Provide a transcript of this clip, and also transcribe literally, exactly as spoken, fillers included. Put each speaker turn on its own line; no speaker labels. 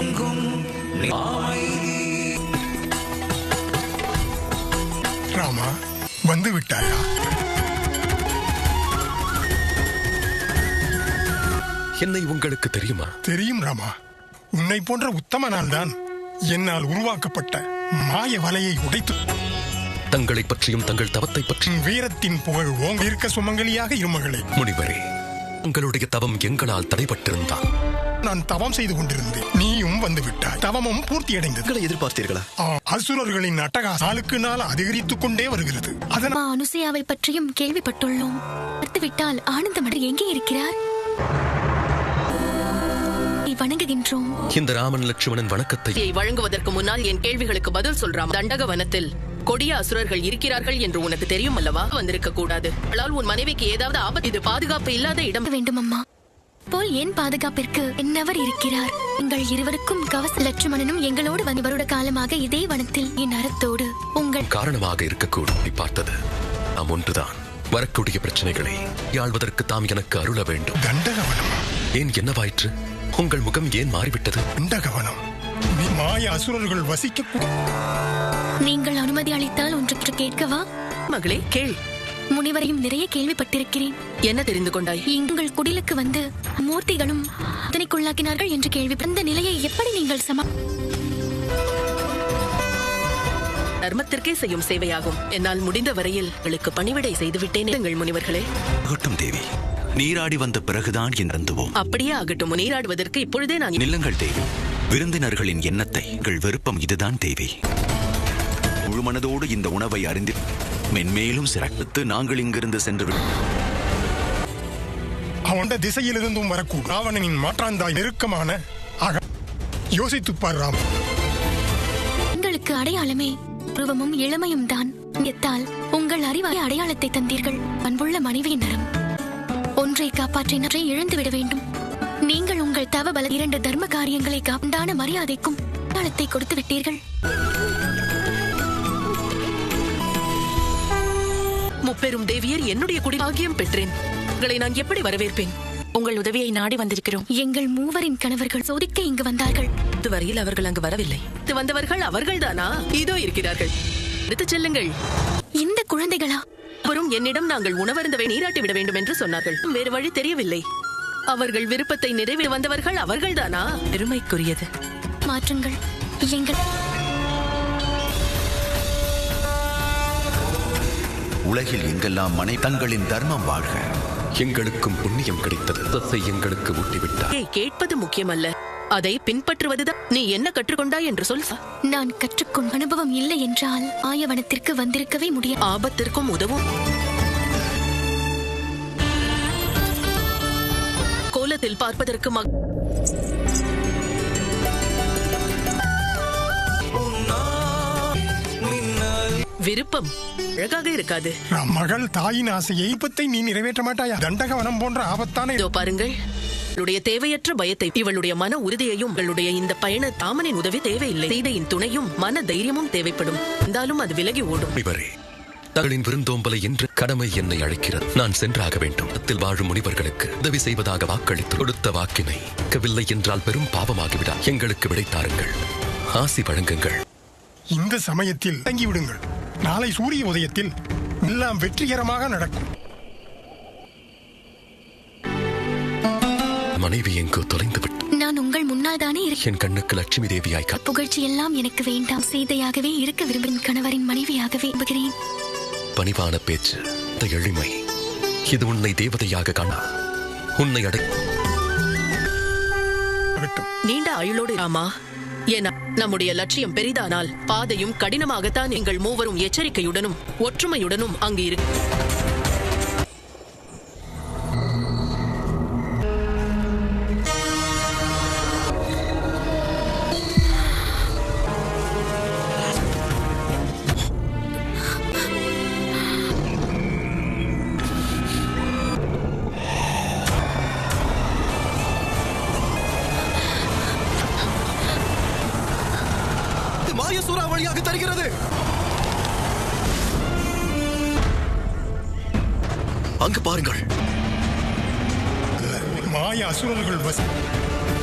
எங்கும்
ராமா, வந்து விட்டாயா?
என்னை உங்களுக்கு தெரியுமா?
தெரியும் ராமா. உன்னை போன்ற உத்தமனால் தான் என்னால் உருவாக்கப்பட்ட மாய வலையை உடைத்து
தங்களை பற்றியும் தங்கள் தவத்தை பற்றியும்
வீரத்தின் புகழ் ஓங்க இருக்க சுமங்கலியாக இருமகளே.
முனிவரே, உங்களுடைய தவம் எங்களால் தடைபட்டிருந்தால்
நான் தவம் செய்து கொண்டிருந்தேன். நீயும் வந்து விட்டாய். தவமும் பூர்த்தியடைந்தது.
எதிர்பார்த்தீர்களா?
அசுரர்களின் அட்டகாசம் நாளுக்கு நாள் அதிகரித்துக் கொண்டே வருகிறது. அதனால்
அனுசையாவை பற்றியும் கேள்விப்பட்டுள்ளோம். பார்த்துவிட்டால் ஆனந்தமடர் எங்கே இருக்கிறார்? வணங்குகின்றோம்.
இந்த ராமன் லட்சுமணன் வணக்கத்தை
வழங்குவதற்கு முன்னால் என் கேள்விகளுக்கு பதில் சொல்றாம். தண்டக வனத்தில் கொடிய அசுரர்கள் இருக்கிறார்கள் என்று உனக்கு தெரியும் அல்லவா? வந்திருக்க கூடாது. உன் மனைவிக்கு ஏதாவது ஆபத்து? இது பாதுகாப்பு இல்லாத இடம்
வேண்டும் அம்மா. போல் என் பாதுகாப்பிற்கு என்னவர் இருக்கிறார்? எங்கள் இருவருக்கும் கவச. லட்சுமணனும் எங்களோடு வந்து வருட காலமாக இதே வனத்தில் என் அறத்தோடு உங்கள்
காரணமாக இருக்கக்கூடும். பார்த்தது நாம் ஒன்றுதான். வரக்கூடிய பிரச்சனைகளை யாழ்வதற்கு தாம் எனக்கு அருள வேண்டும்.
தண்டகவனம்
ஏன் என்னவாயிற்று? உங்கள் முகம் ஏன் மாறிவிட்டது?
தண்டகவனம் மாய அசுரர்கள் வசிக்க.
நீங்கள் அனுமதி அளித்தால் ஒன்று கேட்கவா?
மகளே, கேள்.
முனிவரையும் நிறைய கேள்விப்பட்டிருக்கிறேன்.
என்ன தெரிந்து கொண்டாய்?
எங்கள் குடிலுக்கு வந்து மூர்த்திகளும் அதனைக்குள்ளாக்கினார்கள் என்று கேள்வி. அந்த நிலையை எப்படி நீங்கள் சமா?
தர்மத்திற்கே செய்யும் சேவையாகும். என்னால் முடிந்த வரையில் உங்களுக்கு பணிவிடை செய்துவிட்டேன். எங்கள் முனிவர்களே.
ஆகட்டும் தேவி, நீராடி வந்த பிறகுதான் இறந்துவோம்.
அப்படியே ஆகட்டும். நீராடுவதற்கு இப்பொழுதே நான்.
நில்லுங்கள் தேவி. விருந்தினர்களின் எண்ணத்தை எங்கள் விருப்பம் இதுதான் தேவி. முழு மனதோடு இந்த உணவை அறிந்து மென்மேலும் சிறப்பித்து நாங்கள் இங்கிருந்து சென்று
அவன் திசையிலிருந்தும் வரக்கூடும் ராவணனின் மாற்றாந்தாய் நெருக்கமான ஆக யோசித்துப்பார் ராம்.
உங்களுக்கு அடையாளமே உருவமும் இளமையும் தான். எத்தால் உங்கள் அறிவாய அடையாளத்தை தந்தீர்கள். அன்புள்ள மனைவியின் நரம் ஒன்றை காப்பாற்றினரை இழந்துவிட வேண்டும். நீங்கள் உங்கள் தவ பல இரண்டு தர்ம காரியங்களை காண்டான மரியாதைக்கும் அடையாளத்தை கொடுத்து விட்டீர்கள்.
முப்பெரும் தேவியர் என்னுடைய குடி பாக்கியம் பெற்றேன். உங்களை நான் எப்படி வரவேற்பேன்? உங்கள் உதவியை நாடி வந்திருக்கிறோம்.
எங்கள் மூவரின் கணவர்கள் சோதிக்க இங்கு வந்தார்கள்.
இதுவரையில் அவர்கள் அங்கு வரவில்லை. இது வந்தவர்கள் அவர்கள் தானா? இதோ இருக்கிறார்கள். எடுத்துச் செல்லுங்கள்.
இந்த குழந்தைகளா?
வரும் என்னிடம் நாங்கள் உணவருந்தவை நீராட்டி விட வேண்டும் என்று சொன்னார்கள். வேறு வழி தெரியவில்லை. அவர்கள் விருப்பத்தை நிறைவேற வந்தவர்கள் அவர்கள் தானா? பெருமைக்குரியது.
மாற்றுங்கள். எங்கள்
உலகில் எங்கெல்லாம் மனை தங்களின் தர்மம் வாழ்க.
எங்களுக்கும் புண்ணியம் கிடைத்தது. தத்தை எங்களுக்கு ஊட்டிவிட்டார்.
கேட்பது முக்கியமல்ல, அதை பின்பற்றுவதுதான். நீ என்ன கற்றுக்கொண்டாய் என்று சொல்.
நான் கற்றுக்கொண்ட அனுபவம் இல்லை என்றால் ஆயவனத்திற்கு வந்திருக்கவே முடியும்.
ஆபத்திற்கும் உதவும். கோலத்தில் பார்ப்பதற்கு மக விருப்பம் அழகாக இருக்காது.
மகள் தாயின் ஆசையை இப்பத்தை நீ நிறைவேற்ற மாட்டாயா? தண்டகவனம் போன்ற ஆபத்தான
இதோ பாருங்கள். இவளுடைய தேவையற்ற பயத்தை, இவளுடைய மன உறுதியையும், இவளுடைய இந்த பயண தாமனின் உதவி தேவையில்லை. சீதையின் துணையும் மன தைரியமும் தேவைப்படும். இருந்தாலும் அது விலகி ஓடும்.
இவரே, தங்களின் விருந்தோம்பலை என்று கடமை என்னை அழைக்கிறது. நான் சென்றாக வேண்டும். இடத்தில் வாழும் முனிவர்களுக்கு உதவி செய்வதாக வாக்களித்து கொடுத்த வாக்கினை கவில்லை என்றால் பெரும் பாவமாகிவிடா. எங்களுக்கு விடைத்தாருங்கள். ஆசி வழங்குங்கள்.
இந்த சமயத்தில் தங்கிவிடுங்கள். நாளை சூரிய உதயத்தில் எல்லாம் வெற்றிகரமாக நடக்கும்.
மனைவி எங்கோ தொலைந்து விட்டு
நான் உங்கள் முன்னால் தானே இருக்கேன்.
என் கண்ணுக்கு லட்சுமி தேவியாய்
புகழ்ச்சி எல்லாம் எனக்கு வேண்டாம். சீதையாகவே இருக்க விரும்பும் கணவரின் மனைவியாகவே விரும்புகிறேன்.
பணிவான பேச்சு, எளிமை, இது உன்னை தேவதையாக காணா. உன்னை அடை
நீண்ட ஆயுளோடு ராமா. ஏன்னா நம்முடைய லட்சியம் பெரிதானால் பாதையும் கடினமாகத்தான். நீங்கள் மூவரும் எச்சரிக்கையுடனும் ஒற்றுமையுடனும் அங்கு இருக்கு.
சூறாவளியாக தருகிறது.
அங்கு பாருங்கள்.
மாய அசுரர்கள்